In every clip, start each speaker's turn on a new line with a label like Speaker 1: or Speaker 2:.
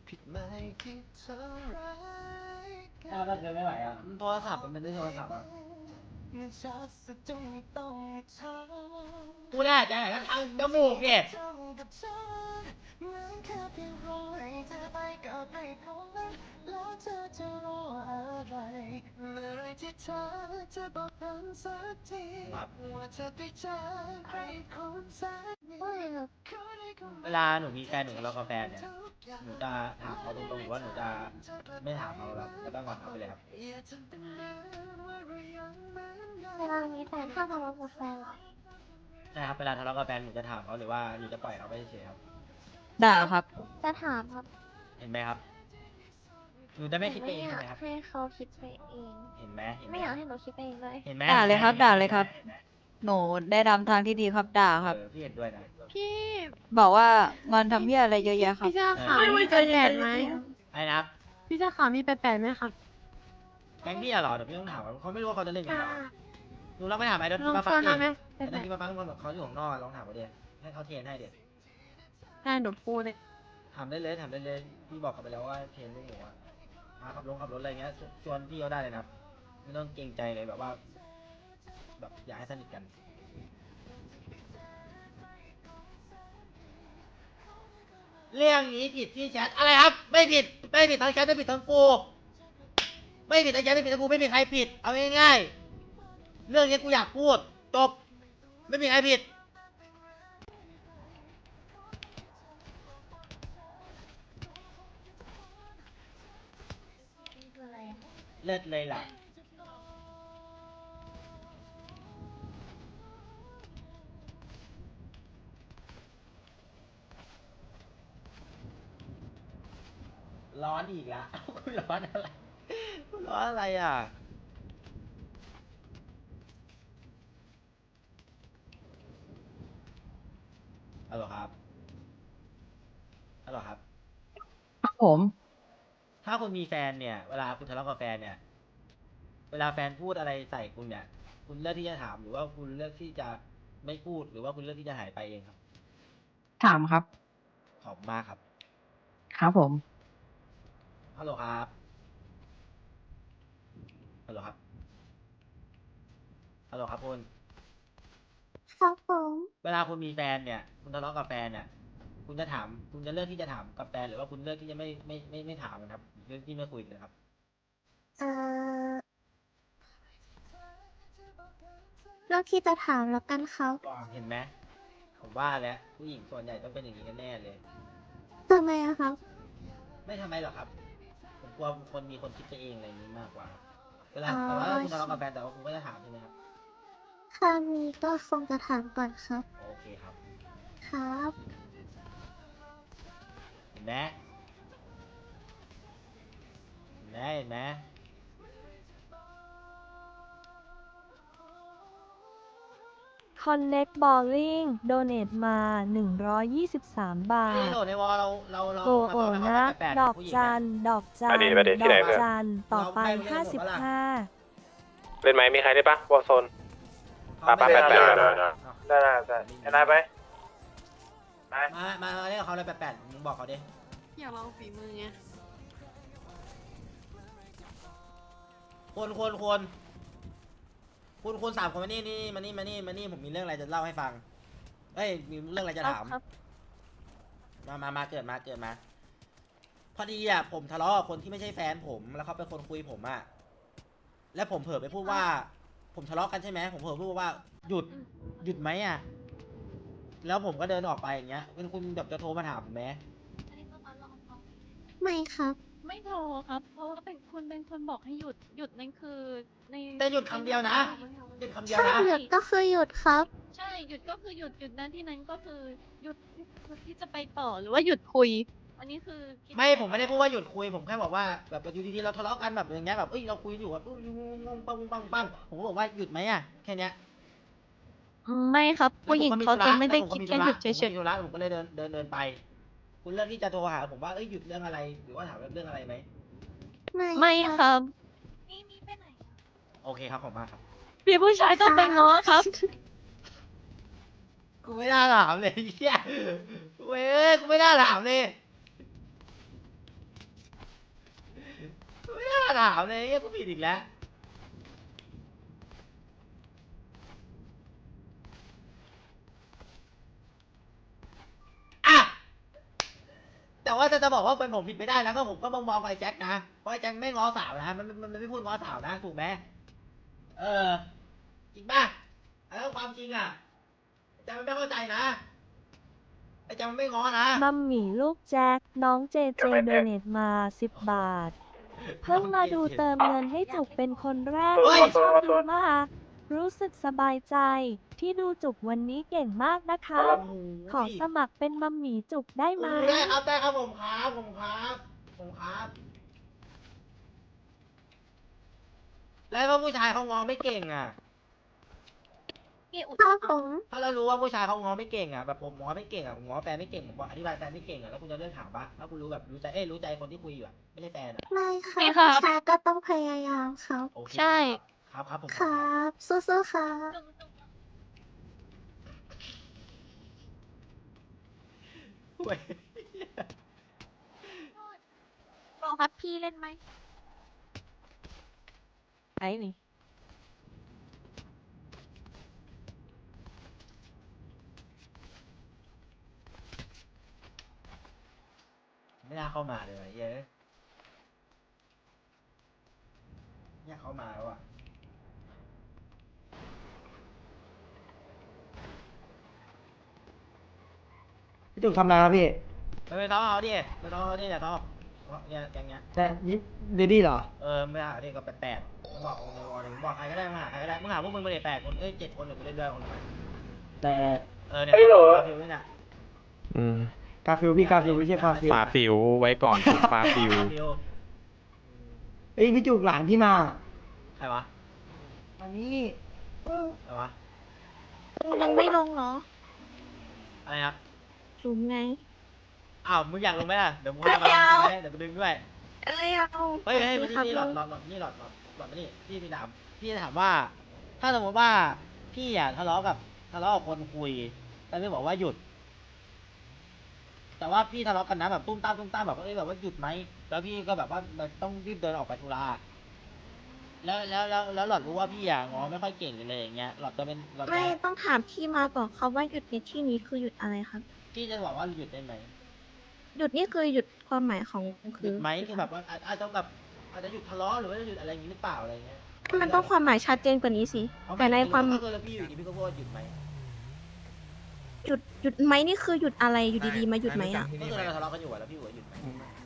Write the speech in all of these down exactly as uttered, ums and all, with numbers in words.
Speaker 1: ผิดไหมที่เธอร้ายกั
Speaker 2: ถ้าน เราเดินไม่ไหวอ่ะโทรศัพท์มันเป็นเรื่องโทรศัพท์อ่ะกูแน่ใจก็ทำจมูกเนี่ย
Speaker 1: แล้วเธอจะรออะไรเมื่อไรที่เธอจะบอกกันสักทีว่าเธอไปเจอใครคนสักนิด
Speaker 2: เวลาหนูมีแฟนหนูทะเลาะกับแฟนเนี่ยหนูจะถามเขาตรงๆหรือว่าหนูจะไม่ถามเขาแล้วแล้วก็งอนเขาไปเลยครับ
Speaker 3: เวลามีแฟนชอบทะเลาะกับแฟนเหรอ
Speaker 2: ใช่ครับเวลาทะเลาะกับแฟนหนูจะถามเขาหรือว่าหนูจะปล่อยเขาไปเฉยๆครับ
Speaker 4: ด่าครับ
Speaker 3: จะถามครับ
Speaker 2: เห็นไหมครับหนูจะไม่คิด
Speaker 3: ห
Speaker 2: ไป
Speaker 3: ไม่
Speaker 2: เอง
Speaker 3: อ
Speaker 2: ใช่
Speaker 3: ยา
Speaker 2: ไหม
Speaker 3: ก
Speaker 2: ครับ
Speaker 3: ให้เขาคิดไปเอง
Speaker 2: เห็นไหมเห็นไหม
Speaker 3: ไม่อยากให้หนูคิดไปเองเลย
Speaker 2: เห็นไหม
Speaker 4: ด่าเลยครับ ด่าเลยครับ หนูได้ทำทางที่ดีครับ ด่าครับ
Speaker 2: เออพี่เห็นด้วยนะ
Speaker 5: พี่
Speaker 4: บอกว่างอนทำเหี้ยอะไรเยอะแยะครับ
Speaker 5: พี่เจ้าขาวมีแปดแปดไหม
Speaker 2: ไอ้นะครับ
Speaker 5: พี่เจ้าขาวมีแปดแปดไหมครับ
Speaker 2: แก๊งพี่อะเหรอเดี๋ยวพี่ต้องถามเขาเขาไม่รู้ว่าเขาจะเล่นกันหรอหนูลองไปถามไอ้ดอน
Speaker 5: ลอง
Speaker 2: มาฟัง
Speaker 5: โฟน
Speaker 2: ดิ
Speaker 5: เอาไหม
Speaker 2: ไอ้ดอนที่มาฟังเขาอยู่ข้างนอกลองถามเขาดิให้เขาเทรนให้เดี๋ยว
Speaker 5: ได้หนูพูดเลย
Speaker 2: ถามได้เลยถามได้เลยพี่บอกเขาไปแล้วว่าเทรนลูกหนูอะพาขับรถขับรถอะไรเงี้ยชวนพี่เขาได้เลยนะครับไม่ต้องเกรงใจเลยแบบว่า แบบอยากให้สนิทกัน เรื่องนี้ผิดที่แชทอะไรครับ ไม่ผิดไม่ผิดทั้งแชทไม่ผิดทั้งกูไม่ผิดทั้งแชทไม่ผิดทั้งกูไม่มีใครผิดเอาง่ายๆเรื่องนี้กูอยากพูดจบไม่มีใครผิด
Speaker 3: คืออะไรอะ
Speaker 2: เลิศเลยล่ะร้อนอีกแล้ว คุณร้อนอะไรคุณร้อนอะไรอ่ะฮัลโหลครับฮัลโหลครับ
Speaker 4: ครับผม
Speaker 2: ถ้าคุณมีแฟนเนี่ยเวลาคุณทะเลาะกับแฟนเนี่ยเวลาแฟนพูดอะไรใส่คุณเนี่ยคุณเลือกที่จะถามหรือว่าคุณเลือกที่จะไม่พูดหรือว่าคุณเลือกที่จะหายไปเองครับ
Speaker 4: ถามครับ
Speaker 2: ขอบคุณมากครับ
Speaker 4: ครับผม
Speaker 2: ฮัลโหลครับฮัลโหลครับฮัลโหลครับคุณ
Speaker 3: ครับผม
Speaker 2: เวลาคุณมีแฟนเนี่ยคุณทะเลาะกับแฟนเนี่ยคุณจะถามคุณจะเลือกที่จะถามกับแฟนหรือว่าคุณเลือกที่จะไม่ไม่ไม่ไม่ถามนะครับเลือกที่ไม่คุยเลยครับ
Speaker 3: เอ่อเรื่องที่จะถามแล้วกันครับ
Speaker 2: เห็นไหมผมว่าแล้วผู้หญิงส่วนใหญ่ต้องเป็นอย่างนี้กันแน่เลย
Speaker 3: ทำไมอะครับ
Speaker 2: ไม่ทำไมหรอกครับ ผมกลัวคนมีคนคิดไปเองอะไรอย่างนี้มากกว่า เวลา
Speaker 3: อ๋อ
Speaker 2: แต่ว่าคุณทะเลาะกับแฟนแต่ว่าคุณก็จะถามใช่ไหมครับ
Speaker 3: ครั้งนี้ก็คงจะถามก่อนครับ
Speaker 2: โอเคครับ
Speaker 3: ครับ
Speaker 2: เห็นไหมเห็นไหมเห็นไหม
Speaker 6: Connect Bowling โดเน a มา หนึ่งร้อยยี่สิบสาม บา
Speaker 2: นี่
Speaker 6: ท
Speaker 2: โหลดในวอลเราเราเรา
Speaker 6: โอ้
Speaker 2: มา
Speaker 6: โห
Speaker 2: ฟังเขา
Speaker 6: นะ
Speaker 2: แปลก
Speaker 6: ดอก
Speaker 2: ๆผู้หญิง
Speaker 6: จั
Speaker 2: เนี่ย
Speaker 6: น ดอกจัน
Speaker 7: มาดิมาดิที่
Speaker 6: ด
Speaker 7: ไหน
Speaker 6: อก
Speaker 7: เพื่อน
Speaker 6: จัน ต่อไป
Speaker 2: เราไม่
Speaker 6: ห้าสิบห้า
Speaker 7: เล่นไหมมีใครได้ปะวอลโซน
Speaker 2: เขาไม่
Speaker 7: ไปไปไป
Speaker 2: เอา
Speaker 7: ได้
Speaker 2: เอา
Speaker 7: ได้ได้ได้ไอ้นายไปไป
Speaker 2: มามามาเล่นกับเขาเลยแปลกๆมึงบอกเขาดิ
Speaker 5: อยากลองฝีมือไง
Speaker 2: คนคนคนคุณคุณสามคนมานี่นี่มานี่มานี่มานี่ผมมีเรื่องอะไรจะเล่าให้ฟังเอ้ยมีเรื่องอะไรจะถาม
Speaker 5: ครับ
Speaker 2: มามามาเกิดมาเกิดมา พอดีอ่ะผมทะเลาะกับคนที่ไม่ใช่แฟนผมแล้วเขาเป็นคนคุยผมอ่ะแล้วผมเผลอไปพูดว่า ผมทะเลาะกันใช่ไหมผมเผลอพูดว่าหยุดหยุดไหมอ่ะแล้วผมก็เดินออกไปอย่างเงี้ยเป็นคุณแบบจะโทรมาถามผมไหม
Speaker 3: ไม่ครับ
Speaker 8: ไม่โทรครับ เพราะว่าเป็นคุณเป็นคนบอกให้หยุดหยุดนั่นคือใน
Speaker 2: แต่หยุดคำเดียวนะหยุดคำเดียว
Speaker 3: ใช่
Speaker 2: นะ
Speaker 3: หยุดก็คือหยุดครับ
Speaker 8: ใช่หยุดก็คือหยุดหยุดนั้นที่นั้นก็คือหยุดหยุดที่จะไปต่อหรือว่าหยุดคุย อันนี้คือคิด
Speaker 2: ไม่ผมไม่ได้พูดว่าหยุดคุยผมแค่บอกว่าแบบอยู่ดีๆเราทะเลาะกันแบบอย่างเงี้ยแบบเอ้ยเราคุยอยู่แบบอุ้ยงงปังปังปังผมก็บอกว่าหยุดไหมอ่ะแค่เนี้ย
Speaker 8: ไม่ครับ ผู้หญิงเขาจะไม่ได้
Speaker 2: แล้วผ
Speaker 8: คิด
Speaker 2: ก็
Speaker 8: แค่หยุดเฉ
Speaker 2: ผม
Speaker 8: ย
Speaker 2: มีธุระผมก็เลยเดินเดินเดินไป คุณเลือกที่จะโทรหาผมว่าเอ้ยหยุดเรื่องอะไรหรือว่าถามเรื่องอะไรไหม
Speaker 3: ไม่
Speaker 8: ๆไม่ครับ
Speaker 2: โอเคครับขอบคุณมากครับ
Speaker 8: พี่ผู้ชายต้องไปง้อครับ
Speaker 2: กูไม่น่าถามเลยเฮียเว้ยกูไม่น่าถามเลยถามเลยเฮ้ยกูผิดอีกแล้วอ่ะแต่ว่าจะจะบอกว่าเป็นผมผิดไม่ได้นะก็ผมก็มองมองไอ้แจ็คนะเพราะไอ้แจ็คไม่ง้อสาวนะมันมันมันไม่พูดง้อสาวนะถูกไหมเออจริงป่ะแล้วความจริงอ่ะแจ็คมันไม่เข้าใจนะไอ้แจ็คมันไม่ง้อนะ
Speaker 6: มัมหมี่ลูกแจ็ค น้องเจเจโดเนตมา สิบ บาท เพิ่งมาดูเติมเงินให้จุกเป็นคนแรก
Speaker 2: เฮ้ย
Speaker 6: ชอบดูมาก รู้สึกสบายใจ ที่ดูจุกวันนี้เก่งมากนะคะ
Speaker 2: โอ้โห
Speaker 6: ขอสมัครเป็นมัมหมี่จุกได้ไหม
Speaker 2: ได้ครับได้ครับผมครับผมครับผมครับแล้วว่าผู้ชายเขางอไม่เก่งอ่ะ
Speaker 8: พี่อุด
Speaker 3: ครับผม
Speaker 2: ถ้าเรารู้ว่าผู้ชายเขางอไม่เก่งอ่ะแบบผมงอไม่เก่งอ่ะผมงอแฟนไม่เก่งผมบอกอธิบายแฟนไม่เก่งอ่ะแล้วคุณจะเลือกถามปะถ้าคุณรู้แบบรู้ใจเอ้ยรู้ใจคนที่คุยอยู่อ่ะไม่ใช่แฟนอ่ะ
Speaker 3: ไม่ค่ะ
Speaker 8: ไม่ครับ
Speaker 3: ชายก็ต้องพยายามครับ
Speaker 2: โอเค
Speaker 8: ใช่
Speaker 2: ครับครับผม
Speaker 3: ครับ สู้ๆครับ
Speaker 8: จุกจุก
Speaker 2: เว้ย
Speaker 8: โปรครับพี่เล่นไหม
Speaker 4: ไอ้นี่
Speaker 2: ไม่น่าเข้ามาเลยว่ะเย้ยเนี่ยเข้ามาแล้วอ่ะพี่จุกทำอะไรครับพี่ไม่ไปท้องเอาดิไปท้องเอาดิเนี่ยท้องเนี่ยอย่างเงี้ย
Speaker 9: แต่นี่เดดี้เหรอ
Speaker 2: เออไม่เอาดิก็แปดๆมึงบอกมึงบอกมึงบอกใครก็ได้มึงหาใครก็ได้มึงหาพวกมึงไปเลยแปดคนเอ้ยเจ็ดคนเดี๋ยวกูเล่นด้วยคนละ
Speaker 9: แต่
Speaker 2: เออเนี่ยเฮ้ยเหรอฟิวนี่น่ะ
Speaker 10: อืม
Speaker 9: กาฟิลพี่กาฟิลไม่ใช่ฟาฟิล
Speaker 10: ฟาฟิวไว้ก่อนฝึกฟาฟิว
Speaker 2: ฟิว
Speaker 9: เอ้ยพี่จุกหลานพี่มา
Speaker 2: ใครวะ
Speaker 9: อันนี้
Speaker 2: ใครวะ
Speaker 8: ยังไม่ลงเหรอ
Speaker 2: อะไรครับ
Speaker 8: สูงไง
Speaker 2: อ้าวมึงอยากลงไหมล่ะเดี๋ยวมึงพามาลงไหมเดี๋ยวกูดึงด้วย
Speaker 8: อะไรเอา
Speaker 2: เฮ้ยเฮ้ยมานี่นี่หลอดหลอดหลอดนี่หลอดหลอดหลอดมานี่พี่พี่ถามพี่จะถามว่า ถ้าสมมติว่าพี่อ่ะทะเลาะกับทะเลาะกับคนคุยแต่ไม่บอกว่าหยุด แต่ว่าพี่ทะเลาะกันนะแบบตุ้มตามตุ้มตามแบบเอ้ยแบบว่าหยุดไหมแล้วพี่ก็แบบว่ามันต้องรีบเดินออกไปธุระแล้วแล้วแล้วแล้วหลอดรู้ว่าพี่อ่ะงอไม่ค่อยเก่งเลยอย่างเงี้ยหลอดจะเป็นหลอดจะ
Speaker 11: ไม่ต้องถามที่มาก่อนครับว่าหยุดในที่นี้คือหยุดอะไรครับ
Speaker 2: พี่จะบอกว่าหยุดได้ไหม
Speaker 11: หยุดนี่คือหยุดความหมายของ
Speaker 2: ห
Speaker 11: คื
Speaker 2: ยุ
Speaker 11: อ
Speaker 2: ดไหมคือแบบว่าอาจอาจจะแบบอาจจะหยุดทะเลาะหรือว่าหยุดอะไรอย่างงี้หรือเปล่าอะไรเงี้ย
Speaker 11: มันต้องความหมายชัดเจนกว่านี้สิ
Speaker 2: เอา
Speaker 11: แต่ในความ
Speaker 2: ถ้าเกิดพี่อยู่ดีพี่ก็พูดว่าหยุดไหม
Speaker 11: หยุดหยุดไหมนี่คือหยุดอะไรอยู่ดีๆมาหยุดไหมอ่ะ
Speaker 2: ก็คือเราทะเลาะกันอยู่อะแล้วพี่หัวหยุดไหม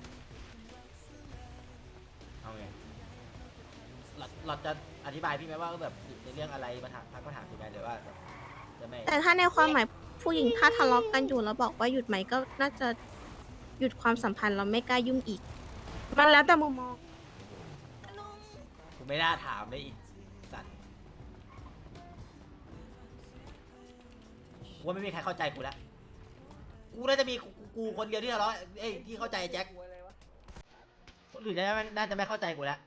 Speaker 2: เอาไงหลอดหลอดจะอธิบายพี่ไหมว่าแบบหยุดในเรื่องอะไรมาถามพักมาถามพี่ไหมหรือว่าแบบจะไม่
Speaker 11: แต่ถ้าในความหมายผู้หญิงถ้าทะเลาะกันอยู่แล้วบอกว่าหยุดไหมก็น่าจะหยุดความสัมพันธ์เราไม่กล้ายุ่งอีก มันแล้วแต่มุมมอง
Speaker 2: กูไม่น่าถามเลยอีกสัตว์กูว่าไม่มีใครเข้าใจกูแล้วกูน่าจะมีกูกูคนเดียวที่ทะเลาะเอ้ยที่เข้าใจแจ็คคนอื่นน่าจะน่าจะไม่เข้าใจกูแล้ว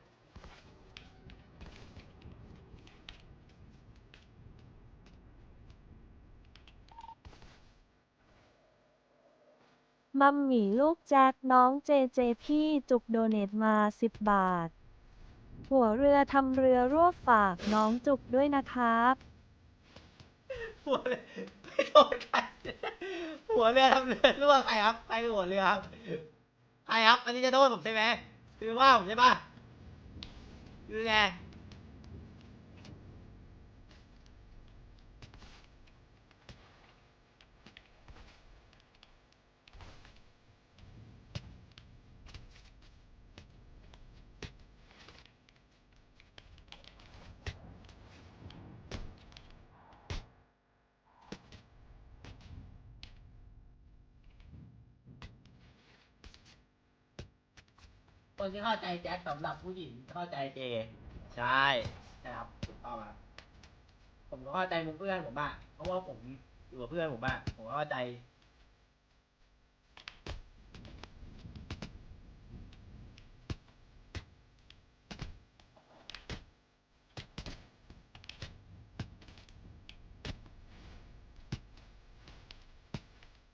Speaker 6: มัมหมี่ลูกแจ็ค น้องเจเจพี่จุกโดเนตมา สิบ บาท หัวเรือทำเรือรั่วฝากน้องจุกด้วยนะครับ
Speaker 2: หัวเรือไม่โดนใครหัวเรือทำเรือรั่วใครครับใครเป็นหัวเรือครับใครครับอันนี้จะโทษผมใช่ไหมคือว่าผมใช่ปะคือไงคนที่เข้าใจแจ็คสำหรับผู้หญิงเข้าใจเจใช่ใช่ครับถูกต้องครับผมก็เข้าใจมุมเพื่อนผมบ้างเพราะว่าผมอยู่กับเพื่อนผมบ้างผมก็เข้าใจ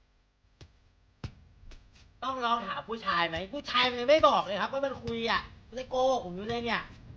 Speaker 2: ต้องลองถามผู้ชายไหมผู้ชายมันยังไม่บอกเลยครับว่ามันคุยอ่ะไม่ได้โกหกผมอยู่เลยเนี่ย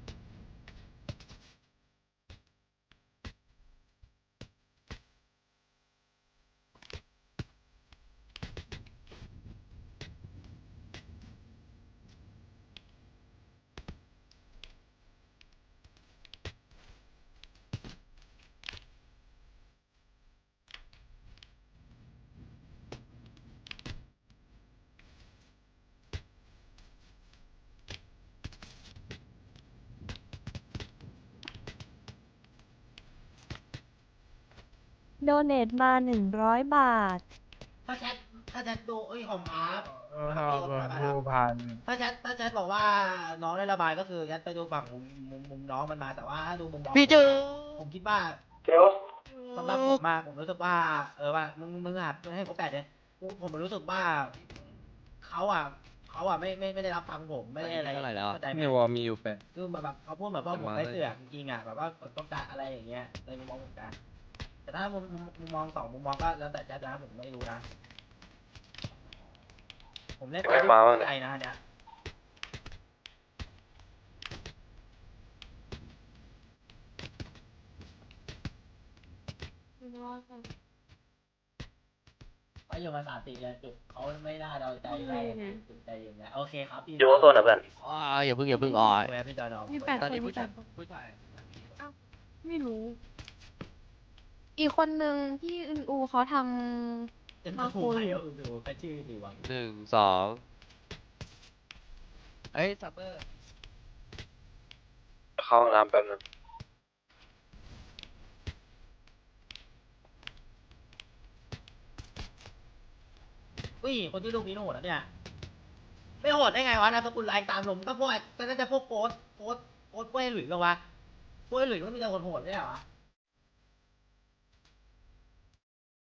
Speaker 6: โดเนทมาหนึ่งร้อยบาท
Speaker 2: ถ้าแชทถ้าแชทดูเอ้ยของอาร์ต
Speaker 7: ผู้พัน
Speaker 2: ถ้าแชทถ้าแชทบอกว่าน้องได้ระบายก็คือแชทไปดูฝั่งมุมมุมมุมน้องมันมาแต่ว่าถ้าดูมุมน้องพี่เจอผมคิดว่า
Speaker 7: เดี๋ยว
Speaker 2: สำหรับผมมากผมรู้สึกว่า เออว่ามึงมึงหัดให้เขาแปดเลยผมผมรู้สึกว่าเขาอ่ะเขาอ่ะไม่ไม่ไม่ได้รับฟังผมไม่ได้อะไรเข้าใจไหม
Speaker 10: นี่วอมีอยู่แปด
Speaker 2: คือแบบแบบเขาพูดแบบว่าผมไม่เสือกจริงๆอ่ะแบบว่าผมต้องการอะไรอย่างเงี้ยในมุมมองผมนะแต่ถ้ามุมมุมมุมมองสองมุมมองก็แล้วแต่จะนะผมไม่รู้นะผมเล่นไปไกลนะเนี่ย ก็อยู่มาสามสี่เดือนจุดเขาไม่ได้เราใจได้จุดใจอย่างเงี้ยโอเคครับพี่
Speaker 7: อยู่โซนนะเพื่อน
Speaker 10: อ่าอย่าเพิ่งอย่าเพิ่งอ่อย
Speaker 2: แวะพี่จอยน้อง
Speaker 5: มีแปด
Speaker 10: ตอน
Speaker 5: คน
Speaker 10: นี้
Speaker 5: มี
Speaker 10: ผู้
Speaker 5: แป
Speaker 10: ชาย
Speaker 5: ดคน
Speaker 10: ผู้ชาย
Speaker 5: ไม่รู้ อีกคนนึงที่อึนอูเขาท
Speaker 2: เป็น
Speaker 5: มา
Speaker 2: ผู้
Speaker 5: คุย
Speaker 2: ใครก็ดูแค่ชื่อดีวัง
Speaker 10: หนึ่งสองเอ้ยซัปเปอร์
Speaker 7: เข้าห้องน้ำแป๊บนึง
Speaker 2: อุ้ยคนที่ลูกนี้โหดนะเนี่ยไม่โหดได้ไงวะนามสกุลแรงตามผมก็พวกก็น่าจะพวกโค้ดโค้ดโค้ดพวกไอ้หลุยส์กันวะพวกไอ้หลุยส์ก็มีแต่คนโหดไม่ใช่เหรอวะ